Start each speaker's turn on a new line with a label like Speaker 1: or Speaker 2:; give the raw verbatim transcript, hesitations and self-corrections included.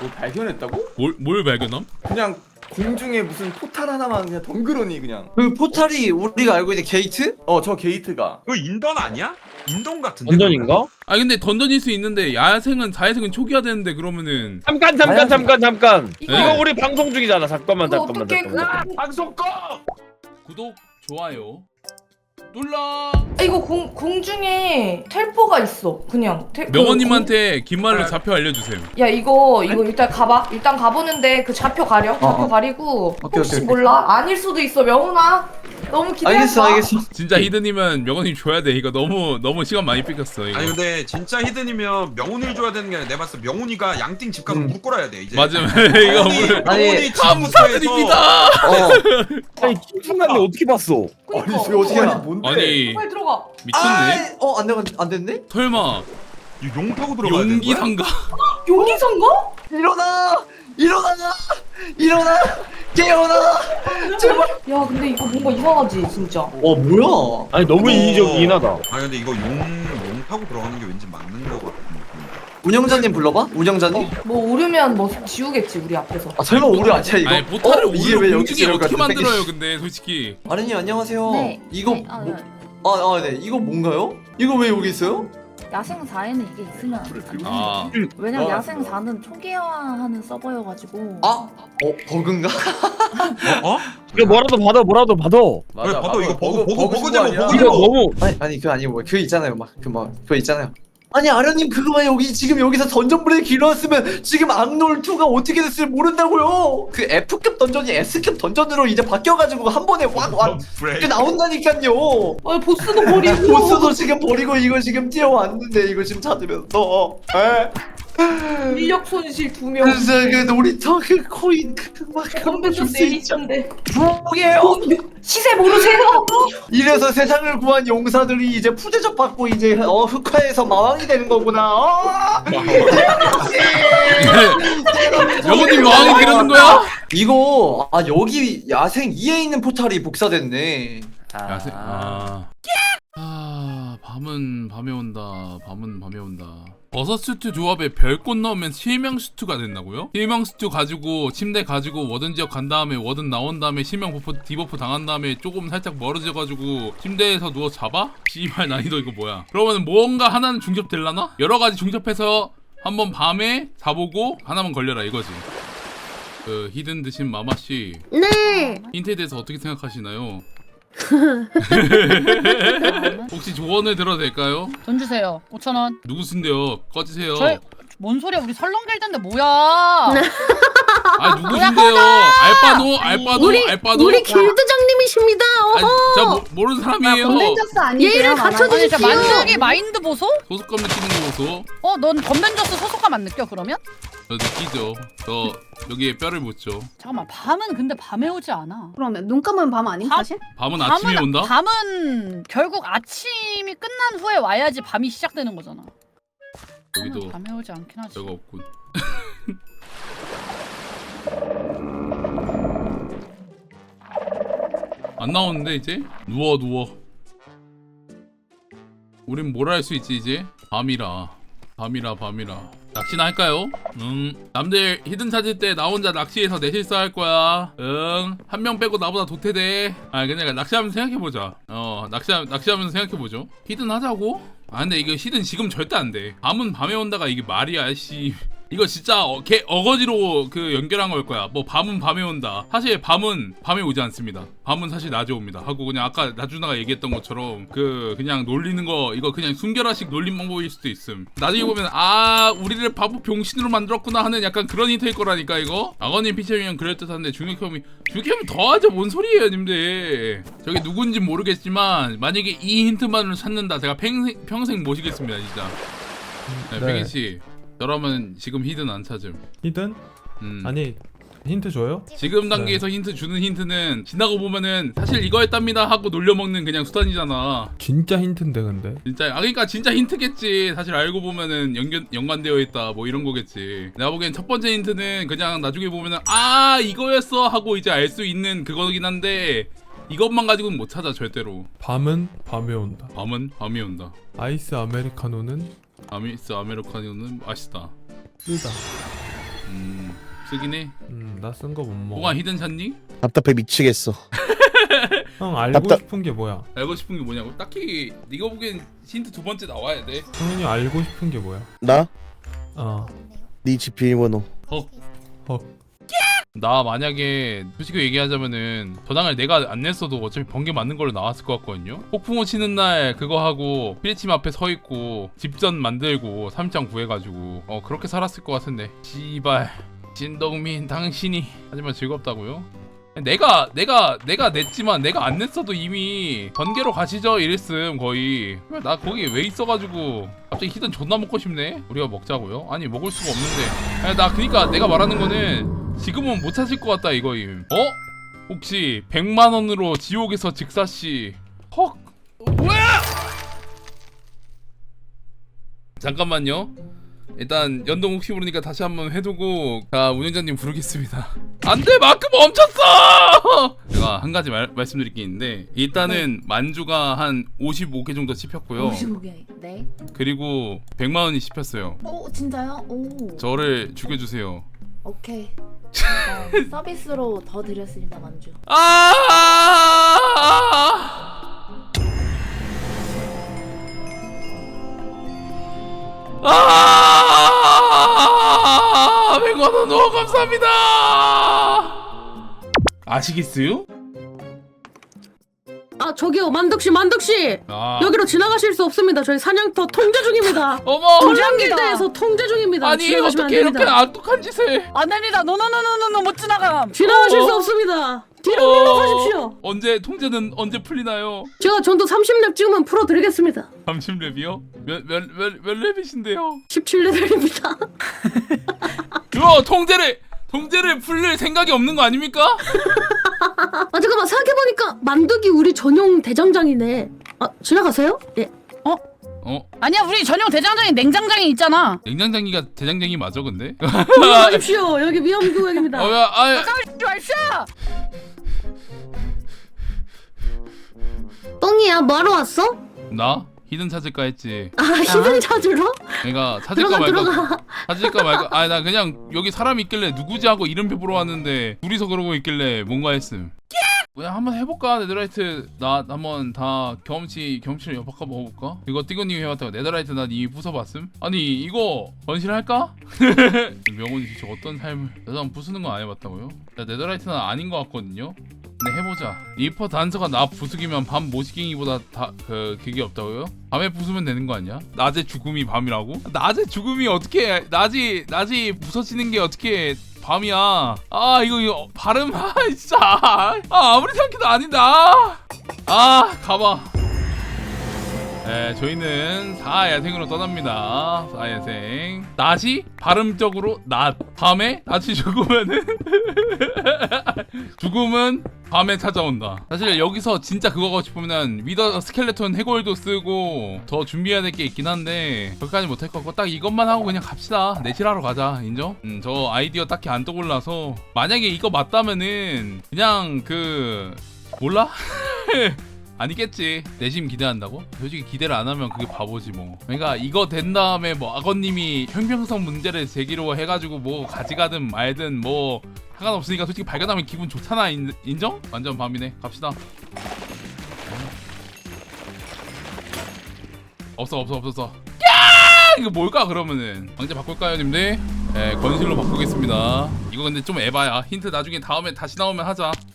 Speaker 1: 뭐 발견했다고?
Speaker 2: 뭘, 뭘 발견함?
Speaker 1: 그냥 공중에 무슨 포탈 하나만 그냥 덩그러니 그냥.
Speaker 3: 그 포탈이 우리가 알고 있는 게이트?
Speaker 1: 어 저 게이트가.
Speaker 4: 그거 인던 아니야? 인던 같은데.
Speaker 5: 던전인가?
Speaker 2: 아 근데 던전일 수 있는데 야생은 자야생은 초기화되는데 그러면은
Speaker 5: 잠깐 잠깐 잠깐 잠깐.
Speaker 6: 이거-
Speaker 5: 이거 우리 방송 중이잖아. 잠깐만
Speaker 6: 그거
Speaker 5: 잠깐만
Speaker 6: 어떻게
Speaker 5: 잠깐만.
Speaker 6: 그...
Speaker 4: 방송 꺼.
Speaker 2: 구독 좋아요 눌러.
Speaker 6: 아, 이거 공, 공중에 텔포가 있어. 그냥 텔, 그
Speaker 2: 명호님한테 긴 말로 좌표 알려주세요.
Speaker 6: 공- 야 이거 이거 일단 가봐. 일단 가보는데 그 좌표 가려. 좌표
Speaker 3: 어, 어.
Speaker 6: 가리고
Speaker 3: 오케이,
Speaker 6: 혹시
Speaker 3: 오케이, 오케이.
Speaker 6: 몰라? 아닐 수도 있어. 명훈아 너무 기대한다.
Speaker 3: 알겠어 알겠어.
Speaker 2: 진짜 히든이면 명호님 줘야 돼. 이거 너무 너무 시간 많이 뺏겼어 이거.
Speaker 4: 아니 근데 진짜 히든이면 명훈이를 줘야 되는 게 아니라 내가 봤을 때 명훈이가 양띵 집 가서
Speaker 3: 음.
Speaker 4: 물 끌어야 돼 이제.
Speaker 2: 맞음. 이거
Speaker 4: 명훈이,
Speaker 2: 물
Speaker 3: 아니,
Speaker 4: 명훈이
Speaker 2: 감사드립니다.
Speaker 3: 어.
Speaker 5: 아니 김충만이 어떻게 봤어?
Speaker 1: 아니
Speaker 6: 그니까.
Speaker 1: 저 어떻게 하지? 뭔데?
Speaker 2: 아니
Speaker 6: 빨리 들어가.
Speaker 2: 미쳤네.
Speaker 3: 어안 되면 안 됐네?
Speaker 2: 설마
Speaker 4: 용 타고 들어가야 되는 거야?
Speaker 2: 용기상가?
Speaker 6: 용기선가?
Speaker 3: 일어나! 일어나! 일어나! 깨어나! 제발!
Speaker 6: 야 근데 이거 뭔가 이상하지 진짜.
Speaker 3: 어 뭐야?
Speaker 5: 아니 너무
Speaker 4: 어.
Speaker 5: 인위적이긴 하다.
Speaker 4: 아니 근데 이거 용, 용 타고 들어가는 게 왠지 맞는 거 같은 느낌.
Speaker 3: 운영자님 불러봐? 운영자님?
Speaker 6: 뭐 오르면 뭐 지우겠지 우리 앞에서.
Speaker 3: 아 설마 우리 아니야 이거?
Speaker 2: 아니 보타를
Speaker 3: 어? 이게
Speaker 2: 오히려
Speaker 3: 왜
Speaker 2: 공중에
Speaker 3: 여기
Speaker 2: 어떻게
Speaker 3: 들어갔지?
Speaker 2: 만들어요 근데 솔직히.
Speaker 3: 아르님 안녕하세요.
Speaker 7: 네.
Speaker 3: 이거
Speaker 7: 네, 아,
Speaker 3: 뭐,
Speaker 7: 네.
Speaker 3: 아, 아, 네. 이거 뭔가요? 이거 왜 여기 있어요?
Speaker 7: 야생사에는 이게 있으면 안 되는
Speaker 2: 아
Speaker 7: 거예요. 왜냐면
Speaker 1: 아,
Speaker 7: 야생사는 초기화하는 서버여가지고
Speaker 3: 아? 어? 버그인가?
Speaker 4: 어?
Speaker 5: 이거 뭐라도 받아 뭐라도 받아.
Speaker 1: 맞아.
Speaker 4: 왜 봐도 이거 버그, 버그,
Speaker 1: 버그
Speaker 4: 버그잖아,
Speaker 1: 아니야?
Speaker 4: 버그.
Speaker 5: 이거 너무
Speaker 3: 아니 아니 그거 아니고 뭐 그거 있잖아요 막 그 뭐 그거 있잖아요. 아니 아르님 그거만 여기 지금 여기서 던전 브레이크 길었으면 지금 악놀이가 어떻게 됐을지 모른다고요. 그 F급 던전이 S급 던전으로 이제 바뀌어가지고 한 번에 확확
Speaker 4: 브레이크.
Speaker 3: 나온다니까요.
Speaker 6: 아 보스도 버리고.
Speaker 3: 보스도 지금 버리고 이거 지금 뛰어왔는데 이거 지금 찾으면서 에?
Speaker 6: 인력 손실 두 명.
Speaker 3: 그래서 그 놀이터 그 코인 그막 그런
Speaker 6: 건배도
Speaker 3: 거줄수 있죠.
Speaker 6: 세이션데.
Speaker 3: 부게요.
Speaker 6: 시세 모르세요?
Speaker 3: 이래서 세상을 구한 용사들이 이제 푸대접 받고 이제 어 흑화에서 마왕이 되는 거구나. 어?
Speaker 2: 명호님 왕이 되려는 거야?
Speaker 3: 이거 아 여기 야생 이에 있는 포탈이 복사됐네.
Speaker 2: 야생 아. 아 밤은 밤에 온다. 밤은 밤에 온다. 버섯 스튜 조합에 별꽃 넣으면 실명 스튜가 된다고요? 실명 스튜 가지고 침대 가지고 워든 지역 간 다음에 워든 나온 다음에 실명 버프 디버프 당한 다음에 조금 살짝 멀어져 가지고 침대에서 누워 잡아? 씨발 난이도 이거 뭐야? 그러면 뭔가 하나는 중첩될라나? 여러 가지 중첩해서 한번 밤에 자보고 하나만 걸려라 이거지. 그 히든 드신 마마씨
Speaker 8: 네.
Speaker 2: 힌트에 대해서 어떻게 생각하시나요? 혹시 조언을 들어도 될까요?
Speaker 8: 돈 주세요. 오천 원.
Speaker 2: 누구신데요? 꺼지세요.
Speaker 8: 저희 뭔 소리야? 우리 설렁길던데 뭐야?
Speaker 2: 아 누구신데요? 알바노? 알바노?
Speaker 8: 우리
Speaker 2: 알바노?
Speaker 8: 우리 길드장님이십니다.
Speaker 2: 아니 저 모, 모르는 사람이에요.
Speaker 8: 예의를 갖춰
Speaker 7: 아니,
Speaker 8: 주십시오.
Speaker 7: 만약에
Speaker 8: 마인드 보소?
Speaker 2: 소속감 느끼는 거 보소.
Speaker 8: 어, 넌 건벤져스 소속감 안 느껴 그러면?
Speaker 2: 저 느끼죠. 저 여기에 뼈를 묻죠.
Speaker 8: 잠깐만, 밤은 근데 밤에 오지 않아.
Speaker 9: 그러면 눈 감으면 밤 아님
Speaker 8: 밤?
Speaker 9: 사실?
Speaker 2: 밤은 아침에
Speaker 8: 밤은,
Speaker 2: 온다?
Speaker 8: 밤은 결국 아침이 끝난 후에 와야지 밤이 시작되는 거잖아.
Speaker 2: 여기도
Speaker 8: 밤은 밤에 오지 않긴 하지.
Speaker 2: 뼈가 없군. 안 나오는데 이제? 누워 누워. 우린 뭘 할 수 있지 이제? 밤이라 밤이라 밤이라 낚시나 할까요? 응. 남들 히든 찾을 때 나 혼자 낚시해서 내 실수할 거야. 응. 한 명 빼고 나보다 도태돼. 아 그냥 낚시하면서 생각해보자. 어 낚시 낚시하면서 생각해보죠. 히든 하자고? 아 근데 이거 히든 지금 절대 안 돼. 밤은 밤에 온다가 이게 말이야 씨. 이거 진짜 어, 개 어거지로 그 연결한 걸 거야. 뭐 밤은 밤에 온다. 사실 밤은 밤에 오지 않습니다. 밤은 사실 낮에 옵니다. 하고 그냥 아까 나주나가 얘기했던 것처럼 그 그냥 놀리는 거 이거 그냥 순결화식 놀림 방법일 수도 있음. 나중에 보면 아 우리를 바보 병신으로 만들었구나 하는 약간 그런 힌트일 거라니까 이거. 악어님 피처링은 그럴듯한데 중력혐이 중력혐이 더하죠. 뭔 소리예요 님들. 저게 누군지 모르겠지만 만약에 이 힌트만으로 찾는다 제가 평생, 평생 모시겠습니다 진짜. 네,
Speaker 10: 네.
Speaker 2: 백인씨 여러분 지금 히든 안 찾음.
Speaker 10: 히든?
Speaker 2: 음.
Speaker 10: 아니 힌트 줘요?
Speaker 2: 지금 단계에서 힌트 주는 힌트는 지나고 보면은 사실 이거였답니다 하고 놀려먹는 그냥 수단이잖아.
Speaker 10: 진짜 힌트인데 근데
Speaker 2: 진짜 아 그러니까 진짜 힌트겠지. 사실 알고 보면은 연결 연관되어 있다 뭐 이런 거겠지. 내가 보기엔 첫 번째 힌트는 그냥 나중에 보면은 아 이거였어 하고 이제 알 수 있는 그거긴 한데 이것만 가지고는 못 찾아 절대로.
Speaker 10: 밤은 밤에 온다.
Speaker 2: 밤은 밤이 온다.
Speaker 10: 아이스 아메리카노는
Speaker 2: 아미스 아메리카노는 맛있다.
Speaker 10: 쓰다.
Speaker 2: 음. 쓰긴 해.
Speaker 10: 음나 쓴 거 못 먹어.
Speaker 2: 뭐가 히든 찾니?
Speaker 9: 답답해 미치겠어.
Speaker 10: 형 알고
Speaker 9: 답답-
Speaker 10: 싶은 게 뭐야?
Speaker 2: 알고 싶은 게 뭐냐고? 딱히 네가 보기엔 힌트 두 번째 나와야 돼.
Speaker 10: 형이 알고 싶은 게 뭐야?
Speaker 9: 나?
Speaker 10: 어.
Speaker 9: 네 집 비밀번호.
Speaker 2: 헉.
Speaker 10: 헉.
Speaker 2: 나 만약에 솔직히 얘기하자면은 저당을 내가 안 냈어도 어차피 번개 맞는 걸로 나왔을 것 같거든요. 폭풍우 치는 날 그거 하고 피레침 앞에 서 있고 집전 만들고 삼장 구해가지고 어 그렇게 살았을 것 같은데. 씨발 진동민 당신이 하지만 즐겁다고요? 내가 내가 내가 냈지만 내가 안 냈어도 이미 번개로 가시죠 이랬음 거의. 나 거기 왜 있어가지고 갑자기 히든 존나 먹고 싶네. 우리가 먹자고요? 아니 먹을 수가 없는데. 아니, 나 그니까 내가 말하는 거는 지금은 못 찾을 것 같다 이거임. 어? 혹시 백만 원으로 지옥에서 직사씨. 헉. 어, 뭐야? 잠깐만요. 일단 연동 혹시 모르니까 다시 한번 해두고 자 운영자님 부르겠습니다. 안돼 마크 멈췄어. 제가 한 가지 말, 말씀드릴 게 있는데 일단은 만주가 한 오십오 개 정도 씹혔고요.
Speaker 7: 오십오 개. 네.
Speaker 2: 그리고 백만 원이 씹혔어요.
Speaker 7: 오 진짜요? 오.
Speaker 2: 저를 죽여주세요.
Speaker 7: 오케이. 일단 서비스로 더 드렸습니다 만주.
Speaker 2: 아! 아! 백만 원 너무 감사합니다. 아시겠어요?
Speaker 11: 아 저기요 만덕씨 만덕씨
Speaker 2: 아.
Speaker 11: 여기로 지나가실 수 없습니다. 저희 사냥터 통제 중입니다.
Speaker 2: 어머.
Speaker 11: 불량길드에서 통제 중입니다.
Speaker 2: 아니
Speaker 11: 지나가시면
Speaker 2: 어떻게
Speaker 11: 안
Speaker 2: 이렇게
Speaker 11: 됩니다.
Speaker 2: 악독한 짓을?
Speaker 8: 안 됩니다. 노노노노노노 못 지나감.
Speaker 11: 지나가실
Speaker 2: 어.
Speaker 11: 수 없습니다. 뒤로
Speaker 2: 어.
Speaker 11: 밀어가십시오.
Speaker 2: 언제 통제는 언제 풀리나요?
Speaker 11: 제가 전도 삼십 렙 찍으면 풀어드리겠습니다.
Speaker 2: 삼십 렙이요? 몇몇몇 몇 렙이신데요?
Speaker 11: 십칠 레벨입니다.
Speaker 2: 그거 통제를 통제를 풀릴 생각이 없는 거 아닙니까?
Speaker 11: 아 잠깐만 생각해보니까 만덕이 우리 전용 대장장이네. 아 지나가세요? 예.
Speaker 2: 어?
Speaker 8: 아니야 우리 전용 대장장이 냉장장이 있잖아.
Speaker 2: 냉장장이가 대장장이 맞아 근데?
Speaker 11: 지나가십시오. 여기 위험구역입니다.
Speaker 2: 어, 야, 아,
Speaker 8: 가만히 마십시오.
Speaker 11: 똥이야 뭐하러 왔어?
Speaker 2: 나 히든 찾을까 했지.
Speaker 11: 아 히든 찾으러?
Speaker 2: 내가 찾을까
Speaker 11: 들어가
Speaker 2: 말까
Speaker 11: 들어가.
Speaker 2: 찾을까 말까. 아니 나 그냥 여기 사람 있길래 누구지 하고 이름표 보러 왔는데 둘이서 그러고 있길래 뭔가 했음. 그냥 한번 해볼까? 네더라이트 나 한번 다 경험치 경험치를 엿바꿔 먹어볼까? 이거 띠고님이 해봤다고 네더라이트 나 이미 부숴봤음? 아니 이거 건실할까? 명훈이 진짜 어떤 삶을 나도 한번 부수는 건 안 해봤다고요? 나 네더라이트는 아닌 것 같거든요? 근데 해보자. 리퍼 단서가 나 부수기면 밤 모시갱이보다 다 그 그게 없다고요? 밤에 부수면 되는 거 아니야? 낮에 죽음이 밤이라고? 낮에 죽음이 어떻게 낮이 낮이 부서지는 게 어떻게 밤이야? 아 이거 이거 발음 아 진짜 아 아무리 생각해도 아니다. 아 가봐. 네, 저희는 사야생으로 떠납니다. 사야생. 낮이 발음적으로 낮. 밤에 낮이 죽으면은 죽음은 밤에 찾아온다. 사실 여기서 진짜 그거 하고 싶으면 위더 스켈레톤 해골도 쓰고 더 준비해야 될 게 있긴 한데 그것까지 못할 것 같고 딱 이것만 하고 그냥 갑시다. 내실하러 가자. 인정? 음, 저 아이디어 딱히 안 떠올라서 만약에 이거 맞다면은 그냥 그 몰라? 아니겠지. 내심 기대한다고? 솔직히 기대를 안 하면 그게 바보지 뭐. 그러니까 이거 된 다음에 뭐 악어님이 형평성 문제를 제기로 해가지고 뭐 가져가든 말든 뭐 상관없으니까 솔직히 발견하면 기분 좋잖아. 인, 인정? 완전 밤이네. 갑시다. 없어 없어 없었어. 야! 이거 뭘까 그러면은 방제 바꿀까요 님들? 네 건실로 바꾸겠습니다. 이거 근데 좀 에바야. 힌트 나중에 다음에 다시 나오면 하자.